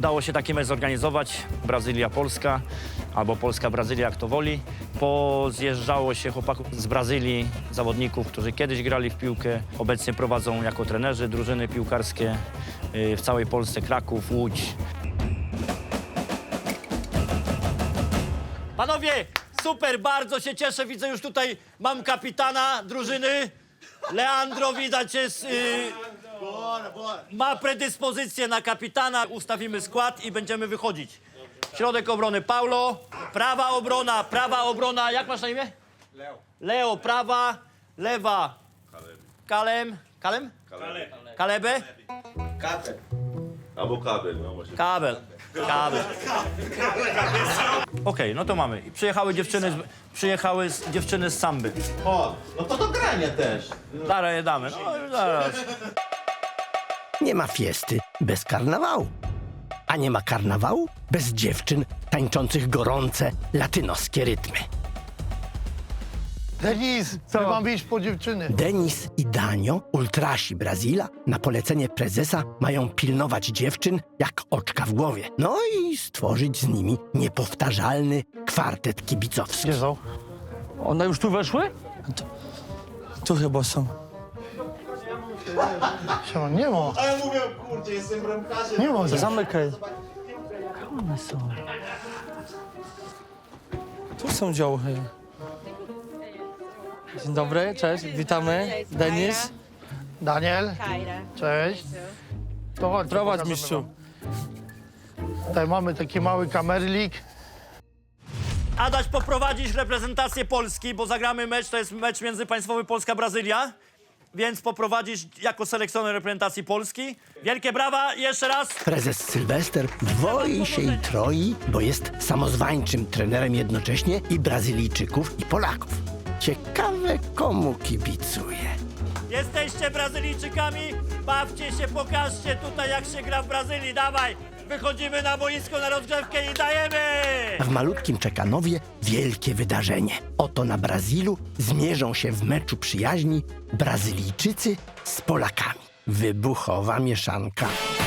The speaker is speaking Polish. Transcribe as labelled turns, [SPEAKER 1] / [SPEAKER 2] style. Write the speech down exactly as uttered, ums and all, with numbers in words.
[SPEAKER 1] udało się taki mecz zorganizować. Brazylia-Polska albo Polska-Brazylia, jak to woli. Pozjeżdżało się chłopaków z Brazylii, zawodników, którzy kiedyś grali w piłkę. Obecnie prowadzą jako trenerzy drużyny piłkarskie w całej Polsce, Kraków, Łódź. Panowie, super, bardzo się cieszę. Widzę już tutaj, mam kapitana drużyny. Leandro, widać, jest, yy, ma predyspozycję na kapitana. Ustawimy skład i będziemy wychodzić. Środek obrony Paulo, prawa obrona, prawa obrona, jak masz na imię? Leo. Leo, prawa, lewa. Kalem. Kalem? Kalem. Kalebe?
[SPEAKER 2] Kabel. Albo kabel, no właśnie.
[SPEAKER 1] Kabel. Kabel. Okej, okay, no to mamy. I przyjechały dziewczyny, z, przyjechały z, dziewczyny z samby.
[SPEAKER 2] O, no to do grania też.
[SPEAKER 1] Zaraz je damy. No, już zaraz.
[SPEAKER 3] Nie ma fiesty bez karnawału. A nie ma karnawału bez dziewczyn tańczących gorące latynoskie rytmy.
[SPEAKER 4] Denis, co? My mamy iść po dziewczyny.
[SPEAKER 3] Denis i Danio, ultrasi Brazila, na polecenie prezesa mają pilnować dziewczyn jak oczka w głowie. No i stworzyć z nimi niepowtarzalny kwartet kibicowski.
[SPEAKER 4] Gdzie są?
[SPEAKER 5] One już tu weszły? Tu, tu chyba są.
[SPEAKER 4] Siema, nie ma.
[SPEAKER 2] A ja mówię, kurczę, jestem bramkarzem.
[SPEAKER 4] Nie ma.
[SPEAKER 5] Zamykaj. Gdzie one są? Tu są działy. Dzień dobry, cześć, witamy.
[SPEAKER 6] Cześć,
[SPEAKER 5] Denis,
[SPEAKER 4] Daniel,
[SPEAKER 6] Kajra.
[SPEAKER 4] cześć. To chodź.
[SPEAKER 5] prowadź
[SPEAKER 4] pokażemy
[SPEAKER 5] mistrzu.
[SPEAKER 4] wam. Tutaj mamy taki mały kamerlik.
[SPEAKER 1] Adaś, poprowadzisz reprezentację Polski, bo zagramy mecz, to jest mecz międzypaństwowy Polska-Brazylia, więc poprowadzisz jako selekcjoner reprezentacji Polski. Wielkie brawa, jeszcze raz.
[SPEAKER 3] Prezes Sylwester dwoi się i troi, bo jest samozwańczym trenerem jednocześnie i Brazylijczyków, i Polaków. Ciekawe, komu kibicuje.
[SPEAKER 1] Jesteście Brazylijczykami, bawcie się, pokażcie tutaj, jak się gra w Brazylii, dawaj. Wychodzimy na boisko na rozgrzewkę i dajemy!
[SPEAKER 3] A w malutkim Czekanowie wielkie wydarzenie. Oto na Brazylu zmierzą się w meczu przyjaźni Brazylijczycy z Polakami. Wybuchowa mieszanka.